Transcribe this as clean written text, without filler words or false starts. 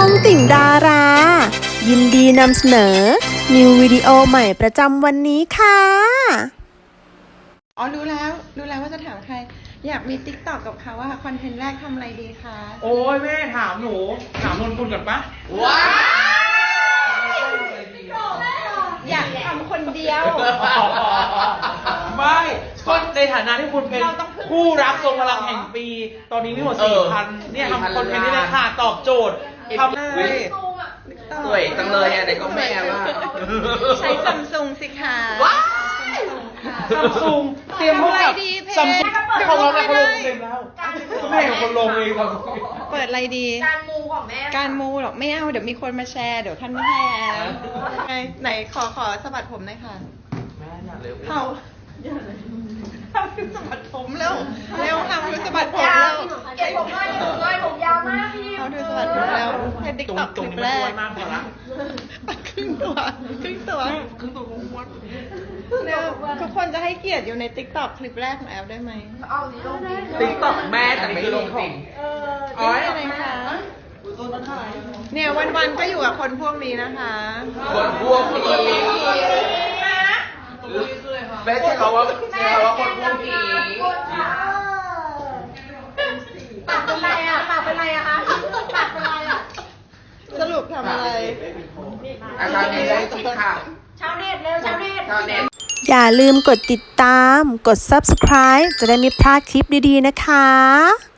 องติ่งดารา ยินดีนำเสนอนิววิดีโอใหม่ประจำวันนี้ค่ะอ๋อรู้แล้วว่าจะถามใครอยากมีติ๊กต็อกกับเขาว่าคอนเทนต์แรกทำอะไรดีคะโอ้ยแม่ถามหนูถามนนกุลก่อนปะว้าอยากทำคนเดียวไม่ก็ในฐานะที่คุณเป็นคู่รักทรงพลังแห่งปี ตอนนี้มีหมด 4,000 เนี่ยทำคอนเทนต์นี่เลยค่ะตอบโจทย์ทำได้สวยจังเลยอ่ะเด็กก็แม่ว่าใช้ซัมซุงสิคะซัมซุงเตรียมพบกับซัมซุงของเราแล้วเขาลงเต็มแล้วแม่ของคนลงเองครับเปิดอะไรดีการมูของแม่การมูหรอกไม่เอาเดี๋ยวมีคนมาแชร์เดี๋ยวท่านไม่ให้แล้วไหนขอสะบัดผมหน่อยค่ะแม่อยากเร็วเขาทำคือสะบัดผมแล้วเร็วทำคือสะบัดผมยาแล้ว วเก็บผมด้วยเก็บผมด้วยผมยาวมากพี่เขาดูสะบัดผมแล้วในติ๊กตรงต็อกตครงลิปนี้แรมันอ้วกนมากพอละครึ่งตัวครึ่งตัวครึ่งตัวอ้วนเร็วทุกคนจะให้เกียรติอยู่ในติ๊กต็อกคลิปแรกของแอลได้ไหมเอานี้ลงดิติ๊กต็อกแม่แต่ไม่ลงจริงอ๋ออะไรคะเนี่ยวันๆก็อยู่กับคนพวกนี้นะคะคนพวกผีแม่ใช้คำว่าคนพวกผีปากเป็นไรอ่ะปากเป็นไรอะคะปากเป็นไรอ่ะสรุปทำอะไรอาจารย์มีได้คิดค่ะชาวเน็ตเร็วชาวเน็ตชาวเน็ตอย่าลืมกดติดตาม กด subscribe จะได้ไม่พลาดคลิปดีๆนะคะ